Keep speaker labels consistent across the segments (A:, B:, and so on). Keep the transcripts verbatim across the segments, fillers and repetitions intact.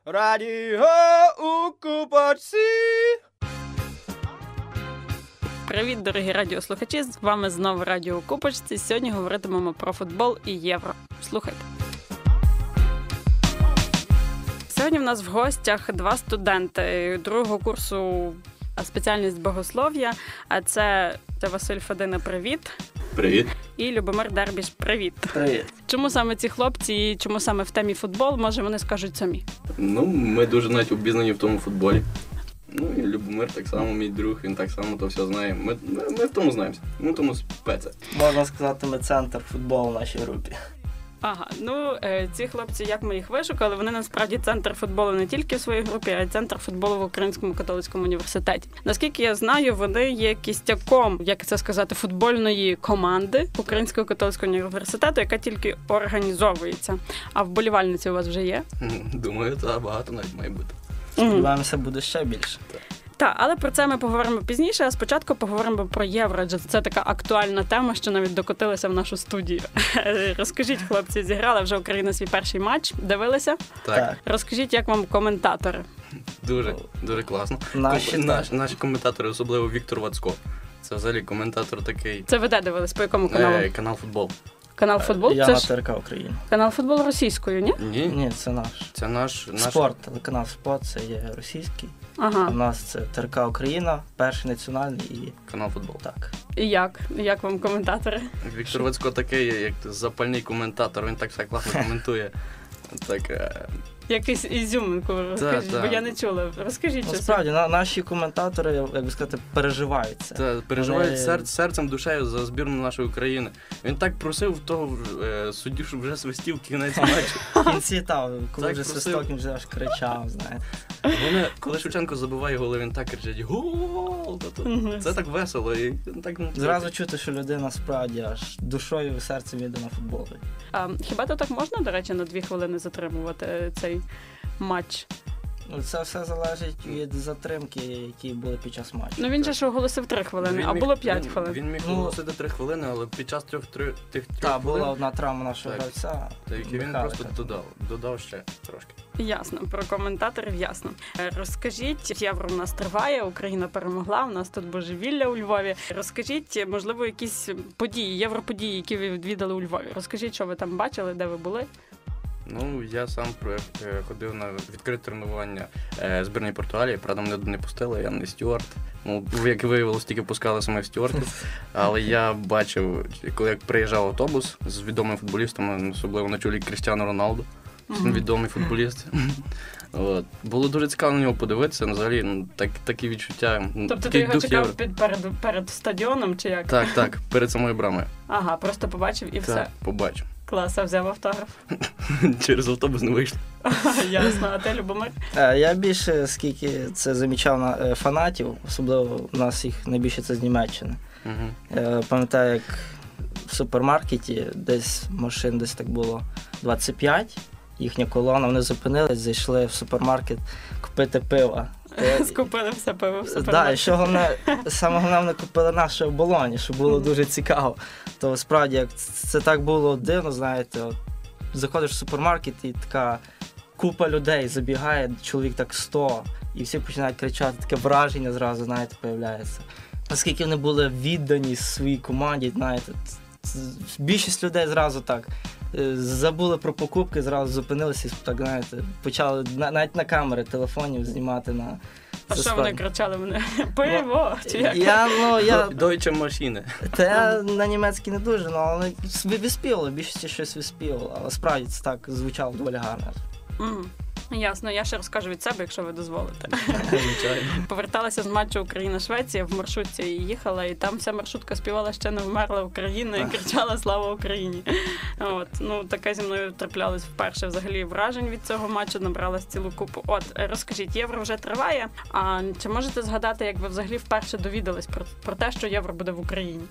A: Радіо у Купочці.
B: Привіт, дорогі радіослухачі! З вами знову Радіо у Купочці. Сьогодні говоритимемо про футбол і євро. Слухайте. Сьогодні в нас в гостях два студенти другого курсу спеціальність богослов'я. А це, це Василь Федина, привіт.
C: Привіт.
B: І Любомир Дербіш, привіт.
C: Привіт.
B: Чому саме ці хлопці і чому саме в темі футбол, може вони скажуть самі?
C: Ну, ми дуже навіть обізнані в тому футболі. Ну і Любомир так само, мій друг, він так само то все знає. Ми, ми, ми в тому знаємося, ми в тому спеце.
D: Можна сказати, ми центр футболу в нашій групі.
B: Ага, ну ці хлопці, як ми їх вишукали, вони насправді центр футболу не тільки в своїй групі, а й центр футболу в Українському католицькому університеті. Наскільки я знаю, вони є кістяком, як це сказати, футбольної команди Українського католицького університету, яка тільки організовується. А вболівальниці у вас вже є?
C: Думаю, так, багато навіть має бути.
D: Сподіваємося, буде ще більше.
B: Так, але про це ми поговоримо пізніше, а спочатку поговоримо про євро, адже це така актуальна тема, що навіть докотилася в нашу студію. Розкажіть, хлопці, зіграла вже Україна свій перший матч, дивилися?
C: Так.
B: Розкажіть, як вам коментатори?
C: Дуже, дуже класно.
D: Наші,
C: Ком... Наш, наші коментатори, особливо Віктор Вацько. Це взагалі коментатор такий.
B: Це ви де дивились? По якому каналу?
C: Е, канал «Футбол».
B: Канал «Футбол»?
D: Я
B: це
D: на
B: ж
D: ТРК Україна.
B: канал «Футбол» російською, ні?
C: Ні,
D: Ні, це наш.
C: це наш... наш...
D: Спорт, телеканал «Спорт» це є російський.
B: Ага.
D: А в нас це ТРК Україна, перший національний і...
C: Канал «Футбол».
D: Так.
B: І як? Як вам коментатори?
C: Віктор Вацько такий, як запальний коментатор, він так все класно коментує. Так... Е...
B: Якийсь ізюминку розкажіть,
C: та.
B: бо я не чула. Розкажіть.
D: Ну, справді, на, наші коментатори, як би сказати, переживають це.
C: Та, переживають
D: Вони...
C: сер, серцем, душею за збірну нашої України. Він так просив того е, суддю, щоб вже свистів кінець матчу.
D: В кінці, та, коли
C: Так
D: вже
C: просив.
D: свисток, він вже аж кричав, знаєте.
C: Вони, коли Шевченко забиває голи, він так кричить «Гол!» Це так весело. І так, ну,
D: Зразу чути, що людина справді аж душою і серцем йде на футбол.
B: А хіба то так можна, до речі, на дві хвилини затримувати цей матч?
D: Ну, це все залежить від затримки, які були під час матчу.
B: Ну він же ж оголосив три хвилини,
C: Він
B: а
C: міг-
B: було п'ять
C: він,
B: хвилин.
C: Він міг
D: Ну,
C: оголосити три хвилини, але під час трьох, три, тих трьох
D: Так,
C: хвилин,
D: була одна травма нашого
C: Так.
D: гравця.
C: та, які він
D: Михайлика.
C: просто додав, додав ще трошки.
B: Ясно, про коментаторів ясно. Е, Розкажіть, євро у нас триває, Україна перемогла, у нас тут божевілля у Львові. Розкажіть, можливо, якісь події, європодії, які ви відвідали у Львові. Розкажіть, що ви там бачили, де ви були?
C: Ну, я сам е, ходив на відкрите тренування е, збірної Португалії, правда, мене не пустили, я не стюард. Ну, як виявилось, тільки пускали самих стюардів. Але я бачив, коли як приїжджав автобус з відомими футболістами, особливо на чолі Крістіану Роналду, mm-hmm. відомий футболіст. От. Було дуже цікаво на нього подивитися, взагалі, ну, так, такі відчуття.
B: Тобто ти
C: такий
B: його
C: дух
B: чекав
C: євро.
B: під, перед, перед стадіоном, чи як?
C: Так, так, перед самою брамою.
B: Ага, просто побачив і все.
C: Так, побачив.
B: Клас, а взяв автограф.
C: Через автобус не вийшло.
B: Ясно, а ти, Любомир?
D: Е, Я більше, скільки це замічав на е, фанатів, особливо у нас їх найбільше це з Німеччини.
C: Угу.
D: Е, Пам'ятаю, як в супермаркеті десь машин десь так було двадцять п'ять, їхня колона, вони зупинились, зайшли в супермаркет купити пива.
B: Скупили все пиво в
D: Так,
B: супермаркеті.
D: і що головне, саме головне, вони купили наше в Болоні, що було дуже цікаво. То справді, як це так було дивно, знаєте, от, заходиш в супермаркет і така купа людей забігає, чоловік так сто, і всі починають кричати, таке враження зразу, знаєте, появляється. Наскільки вони були віддані своїй команді, знаєте, більшість людей зразу так забули про покупки, зразу зупинилися і так, знаєте, почали навіть на камери телефонів знімати на...
B: А що вони кричали мене? Пиво? Чи як?
D: Я, ну, я...
C: Дойче машини.
D: Та я на німецький не дуже, ну, але виспівали, більшості щось виспівало, але справді це так звучало доволі гарно.
B: Mm. Ясно, я ще розкажу від себе, якщо ви дозволите.
C: Звичайно.
B: Поверталася з матчу Україна-Швеція, в маршрутці їхала, і там вся маршрутка співала «Ще не вмерла Україна» і кричала «Слава Україні!». От, ну, таке зі мною траплялось вперше взагалі вражень від цього матчу, набралась цілу купу. От, розкажіть, євро вже триває, а чи можете згадати, як ви взагалі вперше довідались про, про те, що євро буде в Україні?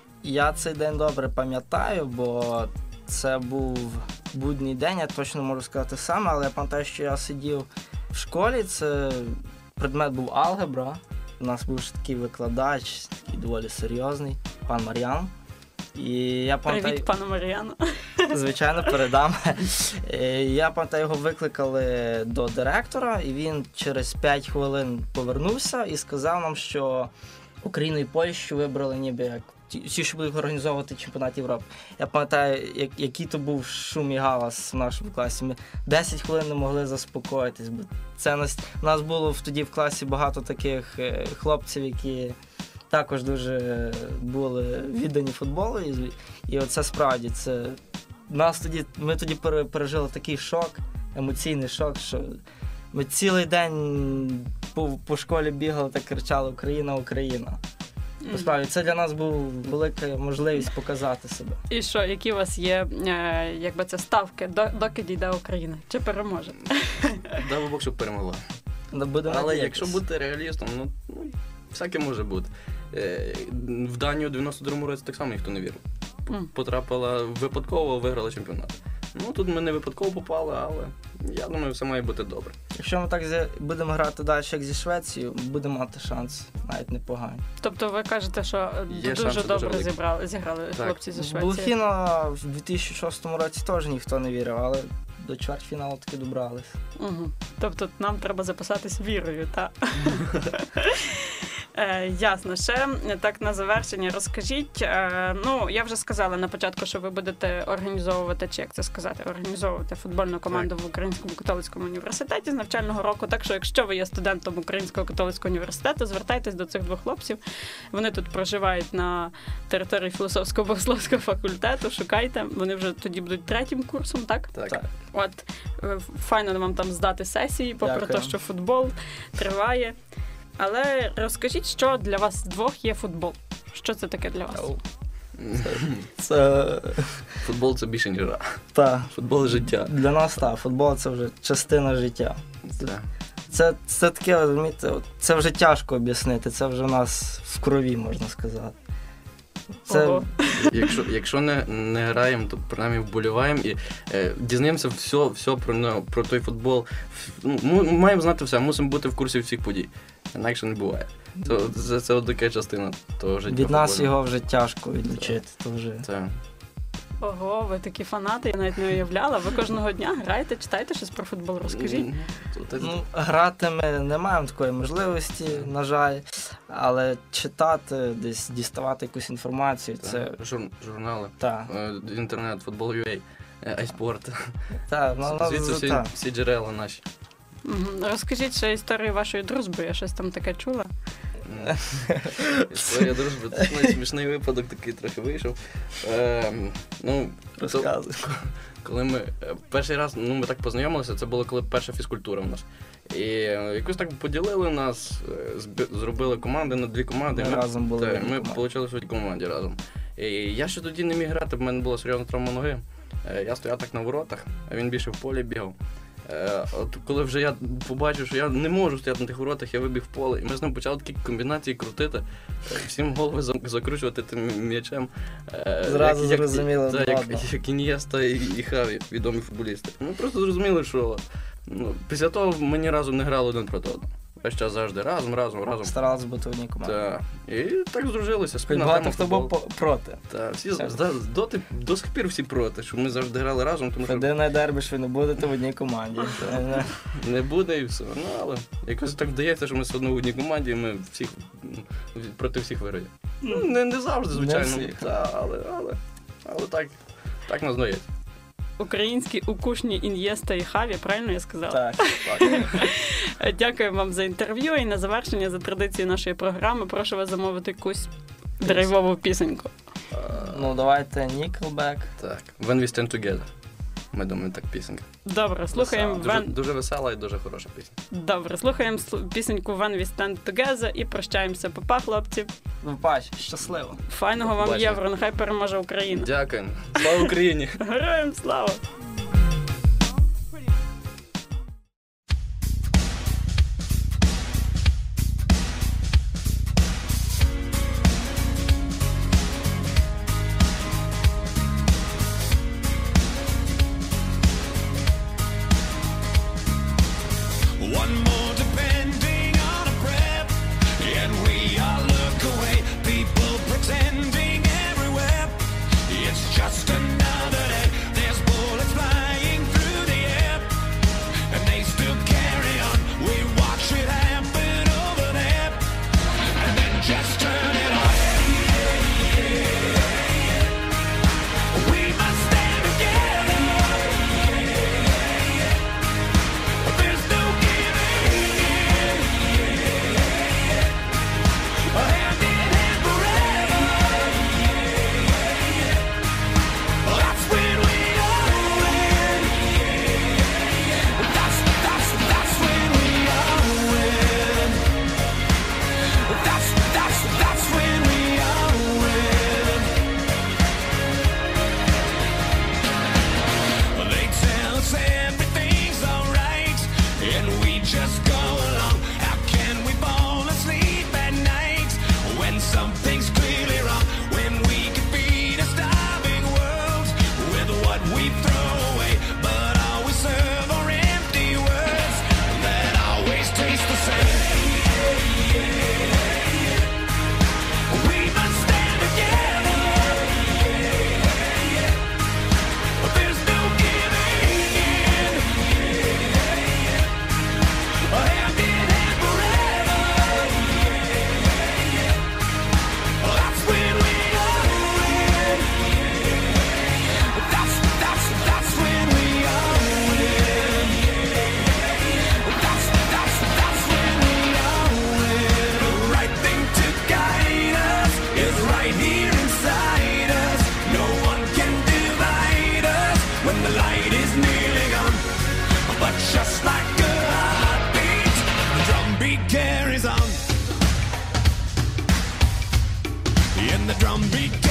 D: Я цей день добре пам'ятаю, бо це був будній день, я точно можу сказати саме, але я пам'ятаю, що я сидів в школі, це предмет був алгебра, у нас був такий викладач, такий доволі серйозний, пан Мар'ян. І я пам'ятаю...
B: Привіт, пану Мар'яну.
D: Звичайно, передам. Я пам'ятаю, його викликали до директора, і він через п'ять хвилин повернувся і сказав нам, що Україну і Польщу вибрали ніби як ті, що будуть організовувати чемпіонат Європи. Я пам'ятаю, як, який то був шум і галас в нашому класі. Ми десять хвилин не могли заспокоїтись, бо це нас, у нас було тоді в класі багато таких хлопців, які також дуже були віддані футболу. І, і оце справді, це нас тоді, ми тоді пережили такий шок, емоційний шок, що ми цілий день по, по школі бігали та кричали «Україна, Україна». Насправді, це для нас був велика можливість показати себе.
B: І що, які у вас є, е, якби це ставки, до, доки дійде Україна? Чи переможе?
C: Дай Бог, щоб перемогла.
D: Будемо
C: Але
D: надіятись.
C: якщо бути реалістом, ну, ну всяке може бути. Е, в Данію у дев'яносто другому році так само ніхто не вірив.
B: Mm.
C: Потрапила випадково, виграла чемпіонат. Ну, тут ми не випадково попали, але я думаю, все має бути добре.
D: Якщо ми так зі, будемо грати далі, як зі Швецією, будемо мати шанс, навіть непоганий.
B: Тобто ви кажете, що
C: Є
B: дуже
C: шанси,
B: добре
C: дуже
B: зібрали, зіграли
C: Так.
B: хлопці зі
D: В
B: Швеції?
D: Блохіна в дві тисячі шостому році теж ніхто не вірив, але до чвертьфіналу таки добрались.
B: Угу. Тобто нам треба записатись вірою, так? Е, ясно. Ще так на завершення розкажіть. Е, ну, я вже сказала на початку, що ви будете організовувати, чи як це сказати, організовувати футбольну команду
C: Так.
B: в Українському католицькому університеті з навчального року. Так що, якщо ви є студентом Українського католицького університету, звертайтесь до цих двох хлопців. Вони тут проживають на території філософсько-богословського факультету. Шукайте. Вони вже тоді будуть третім курсом, так?
C: Так.
D: Так.
B: От, е, файно вам там здати сесії, попри
D: Дякую.
B: те, що футбол триває. Але розкажіть, що для вас двох є футбол? Що це таке для вас?
D: Це...
C: Футбол це більше, ніж гра.
D: Та,
C: Футбол життя.
D: для нас так, футбол це вже частина життя.
C: Це.
D: Це, це таке, розумієте, от це вже тяжко об'яснити, це вже в нас в крові, можна сказати. Це...
B: Ого.
C: Якщо, якщо не, не граємо, то принаймні вболіваємо і е, дізнаємося все, все про, ну, про той футбол. Ну, ми маємо знати все, мусимо бути в курсі всіх подій. Інакше не буває. То, це, це от така частина того життя.
D: Від нас
C: футбольного.
D: його вже тяжко відлучити. То вже...
C: Це.
B: Ого, ви такі фанати, я навіть не уявляла. Ви кожного дня граєте, читаєте щось про футбол, розкажіть.
C: Ну, то- то-
D: Ну, грати ми не маємо такої можливості, на жаль, але читати, десь діставати якусь інформацію, це...
C: Жур, журнали,
D: Так,
C: е, інтернет, футбол ю ей, айспорт.
D: так, ну, ну,
C: Звідси всі,
D: так.
C: всі джерела наші.
B: Мгм. Розкажіть ще історію вашої дружби, я щось там таке чула.
C: М. Історія дружби, це навіть смішний випадок такий трохи вийшов. Е, ну, то-
D: Розказуй.
C: коли ми е, перший раз, ну ми так познайомилися, це було коли перша фізкультура в нас. І е, якось так поділили нас, е, зб- зробили команди на дві команди.
D: Ми разом були в
C: та,
D: одній
C: ми
D: команді.
C: отримали в одній команді разом. І я ще тоді не міг грати, в мене була серйозна травма ноги. Е, Я стояв так на воротах, а він більше в полі бігав. Е, От коли вже я побачив, що я не можу стояти на тих воротах, я вибіг в поле, і ми з ним почали такі комбінації крутити, е, всім голови зам- закручувати тим м'ячем. Е,
D: Зразу
C: як- як-
D: зрозуміло,
C: так,
D: ладно.
C: як, як Ін'єста і, і Хаві, відомі футболісти. Ми просто зрозуміли, що ну, після того ми ні разу не грали один проти одного. Весь час завжди разом, разом, разом.
D: Старалися бути в одній команді.
C: Так. І так здружилися.
D: Хоч
C: Спільна
D: багато
C: тема
D: хто був
C: футболу.
D: по- проти.
C: Так, всі
D: Все.
C: з- доти, до сих пір всі проти, що ми завжди грали разом, тому що
D: Єдине дербі, що ви не будете в одній команді. Це не-
C: не буде і все. Ну, але якось так вдається, що ми все одно в одній команді, і ми всіх м, проти всіх виграємо. Ну, не, не завжди,
D: Не
C: звичайно.
D: всіх.
C: Та, але, але, але так, так нас дається.
B: Українські укушні Ін'єста і Хаві, правильно я сказала?
D: Так.
C: Так.
B: Дякую вам за інтерв'ю і на завершення, за традицією нашої програми, прошу вас замовити якусь драйвову пісеньку.
C: А,
D: Ну, давайте Nickelback.
C: так. When we stand together. Ми думаємо, так пісенька.
B: Добре, слухаємо
C: Дуже,
B: Вен...
C: дуже весела і дуже хороша пісня.
B: Добре, слухаємо слу- пісеньку When We Stand Together і прощаємося. Па-па, хлопці.
D: Вибач, щасливо.
B: Файного вам
C: Побачення.
B: євро, нехай переможе Україна.
C: Дякуємо. Слава Україні!
B: Героям слава!
E: One more depending on a breath, and we all look away. People pretending everywhere. unbeatable.